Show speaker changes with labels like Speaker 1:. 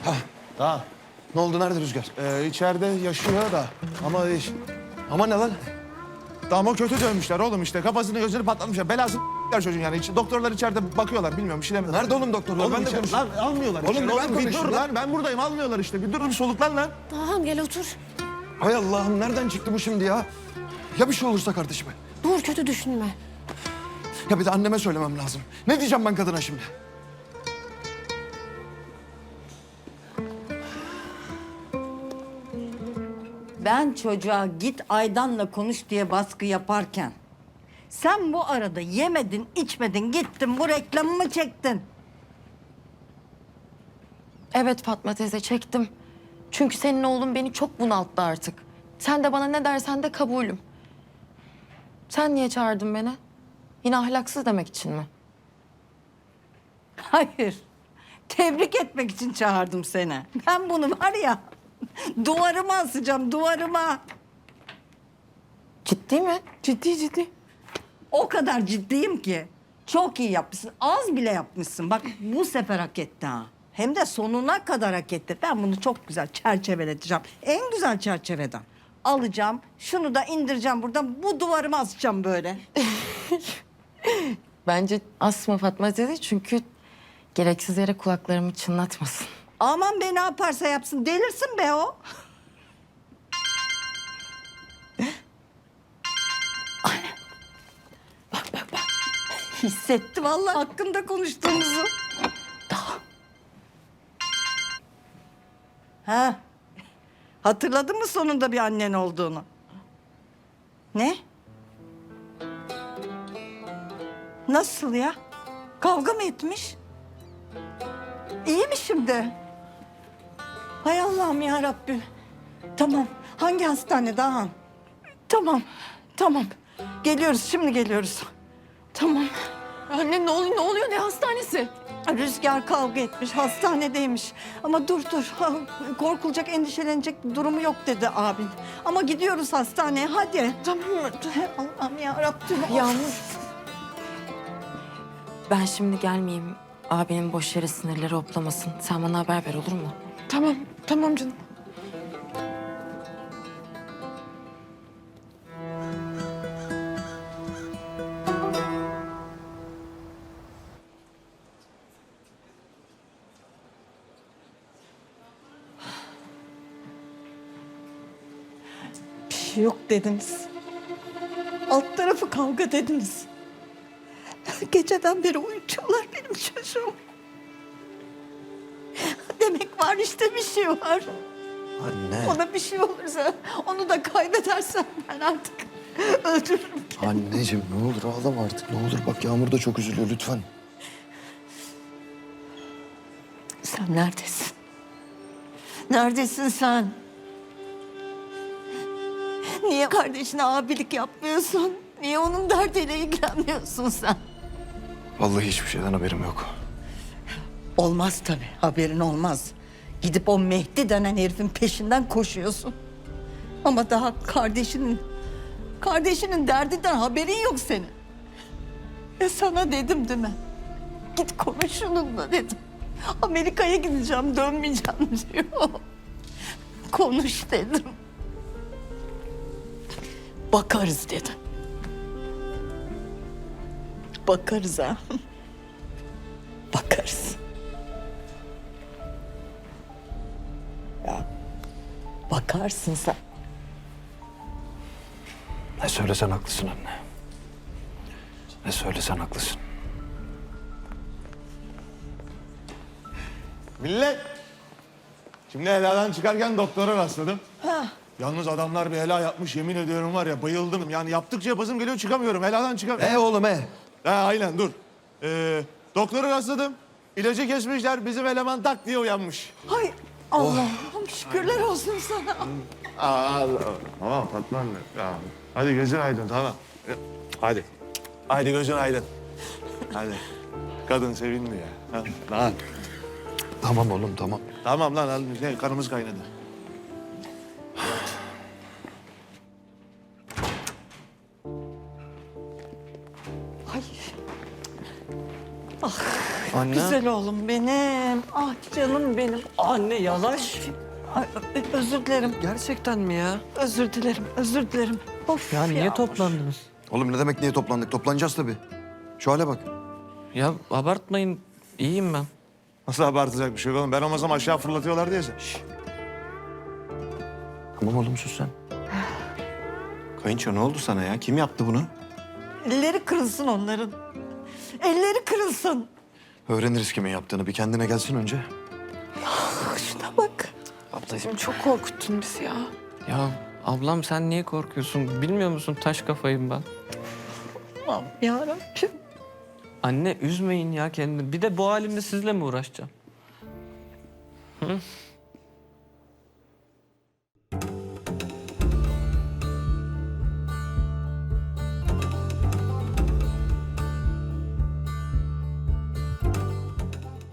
Speaker 1: Ha,
Speaker 2: Tamam.
Speaker 1: ne oldu? Nerede Rüzgar?
Speaker 2: İçeride yaşıyor da ama
Speaker 1: Ama ne lan?
Speaker 2: tamam o kötü dövmüşler oğlum işte. Kafasını gözünü patlatmışlar. Belası çocuğun yani. Doktorlar içeride bakıyorlar bilmiyorum bir şey demiyorum.
Speaker 1: Nerede oğlum doktorlar?
Speaker 2: Oğlum
Speaker 1: Ben de
Speaker 2: içeri-
Speaker 1: konuşayım.
Speaker 2: Lan almıyorlar
Speaker 1: Oğlum
Speaker 2: içeri.
Speaker 1: bir ben
Speaker 2: bir
Speaker 1: konuşayım
Speaker 2: dur
Speaker 1: lan.
Speaker 2: lan. Ben buradayım almıyorlar işte. Bir dur bir soluklan lan.
Speaker 3: Tamam gel otur.
Speaker 1: Hay Allah'ım nereden çıktı bu şimdi ya? Ya bir şey olursa kardeşime?
Speaker 3: Dur kötü düşünme.
Speaker 1: Ya bir de anneme söylemem lazım. Ne diyeceğim ben kadına şimdi?
Speaker 4: Ben çocuğa git Aydan'la konuş diye baskı yaparken sen bu arada yemedin, içmedin, gittin bu reklamımı çektin.
Speaker 5: Evet Fatma teyze çektim. Çünkü senin oğlun beni çok bunalttı artık. Sen de bana ne dersen de kabulüm. Sen niye çağırdın beni? Yine ahlaksız demek için mi?
Speaker 4: Hayır. Tebrik etmek için çağırdım seni. Ben bunu var ya duvarıma asacağım, duvarıma.
Speaker 5: Ciddi mi?
Speaker 4: Ciddi ciddi. O kadar ciddiyim ki. Çok iyi yapmışsın. Az bile yapmışsın. Bak bu sefer hak etti ha. Hem de sonuna kadar hak etti. Ben bunu çok güzel çerçeveleteceğim. En güzel çerçeveden. Alacağım, şunu da indireceğim buradan. Bu duvarıma asacağım böyle.
Speaker 5: Bence asma Fatma teyze çünkü gereksiz yere kulaklarımı çınlatmasın.
Speaker 4: Aman be ne yaparsa yapsın. Delirsin be o. Bak. Hissetti vallahi hakkında konuştuğumuzu. Daha. Ha. Hatırladın mı sonunda bir annen olduğunu? Ne? Nasıl ya? Kavga mı etmiş? İyi mi şimdi? Hay Allah'ım ya Rabbim. Tamam. Hangi hastane daha? Tamam. Geliyoruz şimdi geliyoruz. Tamam.
Speaker 5: Anne ne oluyor ne hastanesi?
Speaker 4: Rüzgar kavga etmiş, hastanedeymiş. Ama dur. Korkulacak, endişelenecek durumu yok dedi abin. Ama gidiyoruz hastaneye, hadi.
Speaker 5: Tamam mı?
Speaker 4: Hay Allah'ım ya Rabbim.
Speaker 5: Yağmur. Ben şimdi gelmeyeyim. Abinin boş yere sinirleri hoplamasın. Sen bana haber ver olur mu?
Speaker 6: Tamam canım.
Speaker 4: Bir şey yok dediniz. Alt tarafı kavga dediniz. Geceden beri uyutuyorlar benim çocuğumu. Demek var işte bir şey var.
Speaker 1: Anne.
Speaker 4: Ona bir şey olursa, onu da kaybedersem ben artık öldürürüm.
Speaker 1: Anneciğim ne olur ağlama artık. Ne olur bak Yağmur da çok üzülüyor lütfen.
Speaker 4: Sen neredesin? Neredesin sen? Niye kardeşine abilik yapmıyorsun? Niye onun derdiyle ilgilenmiyorsun sen?
Speaker 1: Vallahi hiçbir şeyden haberim yok.
Speaker 4: Olmaz tabii, haberin olmaz. Gidip o Mehdi denen herifin peşinden koşuyorsun. Ama daha kardeşinin derdinden haberin yok senin. Sana dedim değil mi? Git konuş onunla dedim. Amerika'ya gideceğim, dönmeyeceğim diyor. Konuş dedim. Bakarız dedim. Bakarız ha. Bakarız. Ya bakarsın sen.
Speaker 1: Ne söylesen haklısın anne. Ne söylesen haklısın.
Speaker 2: Millet. Şimdi heladan çıkarken doktora rastladım. Yalnız adamlar bir helal yapmış yemin ediyorum var ya bayıldım. Yani yaptıkça yapasım geliyor çıkamıyorum. Heladan çıkamıyorum.
Speaker 1: Oğlum
Speaker 2: Ha aynen dur. Doktora rastladım. İlacı kesmişler. Bizim eleman tak diye uyanmış.
Speaker 4: Hay Allah'ım şükürler olsun sana.
Speaker 2: Tamam Fatma anne. Ya, hadi gözün aydın tamam. Hadi. Hadi gözün aydın. Hadi. Kadın sevindi ya. Ha, lan.
Speaker 1: Tamam oğlum tamam.
Speaker 2: Tamam lan hadi. Kanımız kaynadı.
Speaker 4: Ay.
Speaker 6: Anne.
Speaker 4: Güzel oğlum benim. Ah canım benim.
Speaker 6: Anne yavaş.
Speaker 4: Ay, özür dilerim.
Speaker 6: Gerçekten mi ya?
Speaker 4: Özür dilerim. Özür dilerim. Of
Speaker 6: Ya niye
Speaker 4: Yağmur.
Speaker 6: toplandınız?
Speaker 1: Oğlum ne demek niye toplandık? Toplanacağız tabii. Şu hale bak.
Speaker 6: Ya abartmayın. İyiyim ben.
Speaker 2: Nasıl abartacak bir şey yok oğlum? Ben olmasam aşağı fırlatıyorlar diye sen.
Speaker 1: Tamam oğlum sus sen. Kayınço ne oldu sana ya? Kim yaptı bunu?
Speaker 4: Elleri kırılsın onların. Elleri kırılsın.
Speaker 1: Öğreniriz kimin yaptığını. Bir kendine gelsin önce.
Speaker 4: Şuna bak.
Speaker 5: Ablacığım çok korkuttun bizi ya.
Speaker 6: Ya ablam sen niye korkuyorsun? Bilmiyor musun taş kafayım ben.
Speaker 4: Allah'ım yarabbim.
Speaker 6: Anne üzmeyin ya kendini. Bir de bu halimde sizle mi uğraşacağım? Hı?